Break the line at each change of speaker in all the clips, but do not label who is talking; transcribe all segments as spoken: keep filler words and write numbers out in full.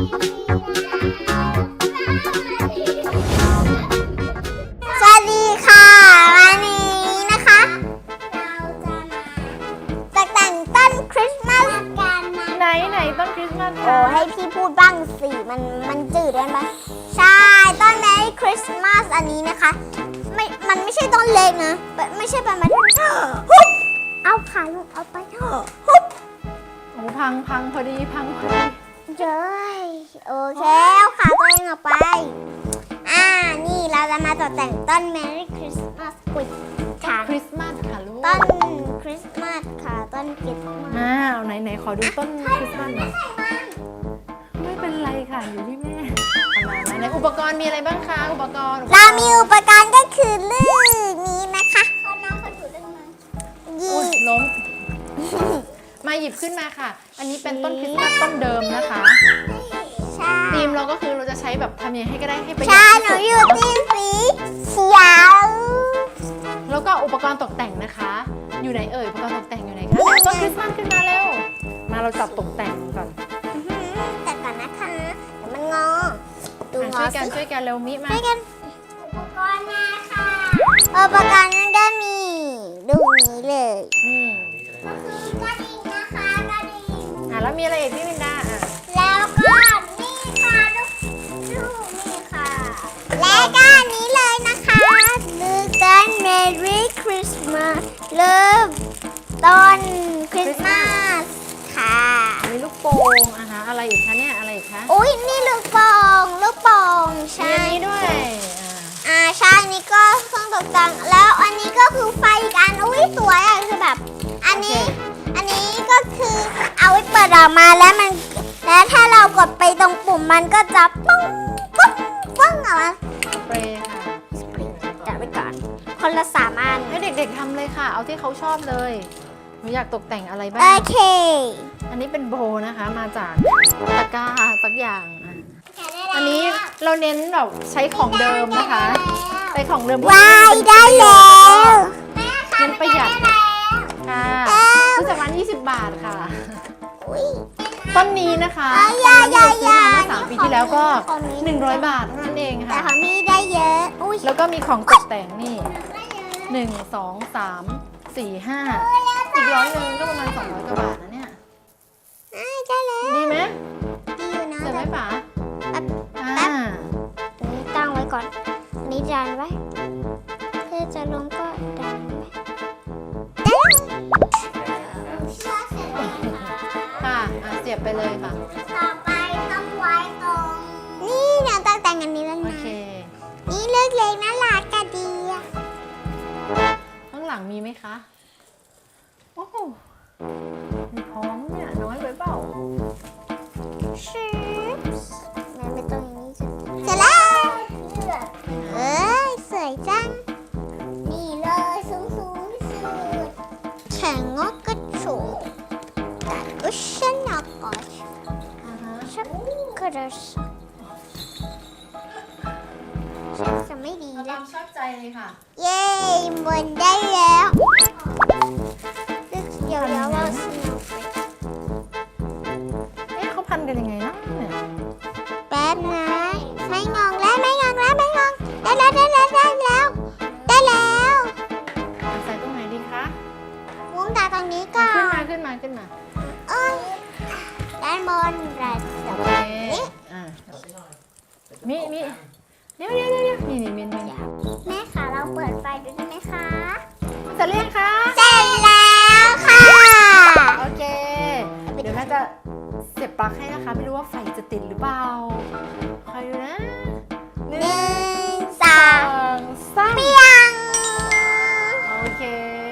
สวัสดีค่ะวันนี้นะคะเราจะมาตกแต่งต้นคริสต์มาสกันนะ
ไหนไหนต้นคริสต์มาส
โอ้ให้พี่พูดบ้างสิมันมันจืดได้ไหมใช่ต้นแมรี่คริสต์มาสอันนี้นะคะไม่มันไม่ใช่ต้นเล็กนะไม่ใช่ประมาณฮุบเอาขาลงเอาไปฮุบ
โอ้พังพังพอดีพังพอดี
เจ้ยโอเคเอาขาตัวเองออกไปอ่านี่เราจะมาตกแต่งต้นแมรี่คริสต์มาสกุยขา
คริสต์มาสค่ะลูก
ต้นคริสต์มาสค่ะต้นคริสต์มาส
อ้าวไหนไหนขอดูต้นคริสต์มาสหน่อยไม่เป็นไรค่ะอยู่ที่แม่มามาในอุปกรณ์มีอะไรบ้างคะอุปกรณ์
เรามีอุปกรณ์ก็คือลื่นนี้นะคะเขาน้องเขาถือลื่นมายี
อุ๊ยล้มมาหยิบขึ้นมาค่ะ อันนี้เป็นต้นคริสต์มาสต้นเดิมนะคะ
ใช่
ธีมเราก็คือเราจะใช้แบบทำยังไงให้ก็ได้ให้ประหยั
ใช่
ด
หนู
ที่
อยู่
สุด
ทีมสีเขียว
แล้วก็อุปกรณ์ตกแต่งนะคะ อยู่ไหนเอ่ยอุปกรณ์ตกแต่งอยู่ไหนคะเอาต้นคริสต์มาสขึ้นมาเร็วมาเราจับตกแต่งก่อน
แต่ก่อนนะคะเดี๋ยวมันงอดูงอ
ช่วยกัน
สิ
ช่วยกันเร็วมิมา
ช่วยกันอุปกรณ์มาค่ะอุปกรณ์นั้นก็มีดูนี้เลย
นี่
ก็คือกระดิ่งนะคะกระดิ่ง
อ่ะแล้วมีอะไรอีกพี่มินดาอ่ะ
แล้วก็นี่ค่ะลูกลูกนี่ค่ะ และก็อันนี้เลยนะคะลือต้น Merry Christmas เริ่มต้นคริสต์มาสค่ะ
มีลูกโป่งอ่ะฮะอะไรอีกคะเนี่ยอะไรอีกคะ
อุ้ยนี่ลูกโป่งลูกโป่ง
มี
ใช่
อันนี้ด้วยอ่า
อ่าใช่อันนี้ก็เครื่องตกแต่งแล้วอันนี้ก็คือไฟอีกอันอุ้ยสวยอ่ะคือแบบ อันนี้ อันนี้ก็คือเอาไว้เปิดออกมาแล้วมันแล้วถ้าเรากดไปตรงปุ่มมันก็จะปุ้งปุ้งปุ้งออกมา
สเปรย์ค่ะ
จัดไว้ก่อนคนละสามอัน
ให้เด็กๆทำเลยค่ะ เอาที่เขาชอบเลยหนูอยากตกแต่งอะไรบ้า
โอง เค
อันนี้เป็นโบนะคะ มาจากตะกร้าสักอย่างอ่ะอันนี้เราเน้นแบบใช้ของเดิมนะคะใช้ของเดิม
วายได้แล้ว
เน้นประหยัดค่ะซื้อจากร้านยี่สิบบาทค่ะ
อุ้ย
ต้นนี้นะคะ
อ่ะ
ตอนนั้นที่เราซื้อมา
อย่าอย่า
เมื่อสามปีที่แล้วก็
ของนี้
หนึ่งร้อยบาทเท่านั้นเอง
แต่
ค่ะ
ของพี่ได้เยอะอุ้ย
แล้วก็มีของตกแต่งนี่หนึ่งสองสามสี่ห้าอีกร้อยหนึ่งก็ประมาณสองร้อยกว่าบาทนะเนี่ย
อ่าได้แล้ว
ดีไหม
ดีอยู่นะ
เสร็จไหมป๋า
แป๊บ
อ่า
อันนี้ตั้งไว้ก่อนอันนี้ดันไว้เพื่อจะลงก็ดันไว้ได้
ค่ะอ่ะเสียบไปเลยค่ะ
ต่อไปต้องไว้ตรงนี่เนี่ยตั้งแต่งอันนี้แล้ว
โอ
นะ
เค
นี่เล็กๆน่ารักกะดีอะ
ข้างหลังมีไหมคะโอ้โหมีพร้อมเนี่ยน้อยไปเปล่า
ชิปส์มันไม่ตรงอย่างนี้เสร็จแล้วเอ้ยสวยจังนี่เลยสูงสูงที่สุดแข่งงอกกระโฉกแต่ก็ชนะก่อน
อ่าฮะ
ชักกระสฉันจะไม่ดี
เอา
แล้
ตาว มชอบใจเลยค่ะ
เย้บนได้แล้วเดี๋ยวเดี๋ยวเราสนุกไป
เอ๊ะเขาพันกันยังไงนะเนี่ย
แป๊บนะไม่งองแล้วไม่งองแล้วไม่งองได้แล้วได้แล้วได้แล้วได้แล้ว
ใส่ตรงไหนดีคะ
มุ้งตาตรงนี้ก่อ
ขึ้นมาน ขึ้นมาขึ้นมา
เอ้ยด้านบนระดับ
โอเค
นี้
อ่ะมีมีเดี๋ยวเดี๋ยวเดี๋ยวนี่นี่มินมิน
แม่คะเราเปิดไฟดูได้ไหมคะ
เสร็จหรือยังคะ
เสร็จแล้วค่ะ
โอเค เดี๋ยวแม่จะเสียบปลั๊กให้นะคะ ไม่รู้ว่าไฟจะติดหรือเปล่าคอยดูนะห
ห
นึ่
นึ่
ง
งสอ
สอง งสาม
เปียง
โอเค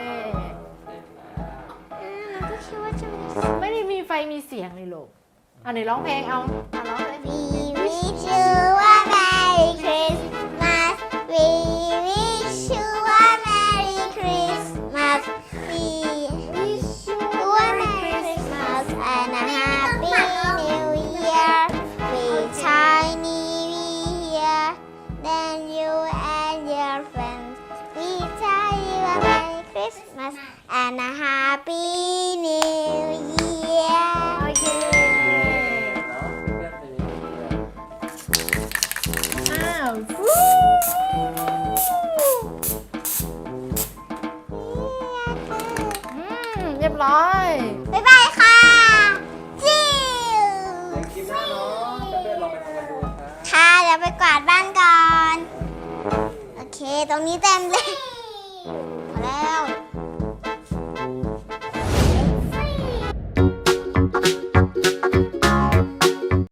เราก็คิดว่าจะมี
ไม่ได้มีไฟมีเสียงเลยลูกอ่ะไหนร้องเพลงเอาอ่ะร้องเลย
We wish you a Merry Christmas. We wish you a Merry Christmas. We wish you a Merry Christmas and a Happy New Year. We Chinese Year. Then you and your friends. We tell you a Merry Christmas and a Happy New Year.
โอเคร้อย
บ๊ายบายค่ะจิว
เดี๋ยวคลิปหน้าเนาะเพื่อนๆลองไปทำกันดูนะครับ
ค่ะเดี๋ยวไปกวาดบ้านก่อน โอเค ตรงนี้เต็มเลย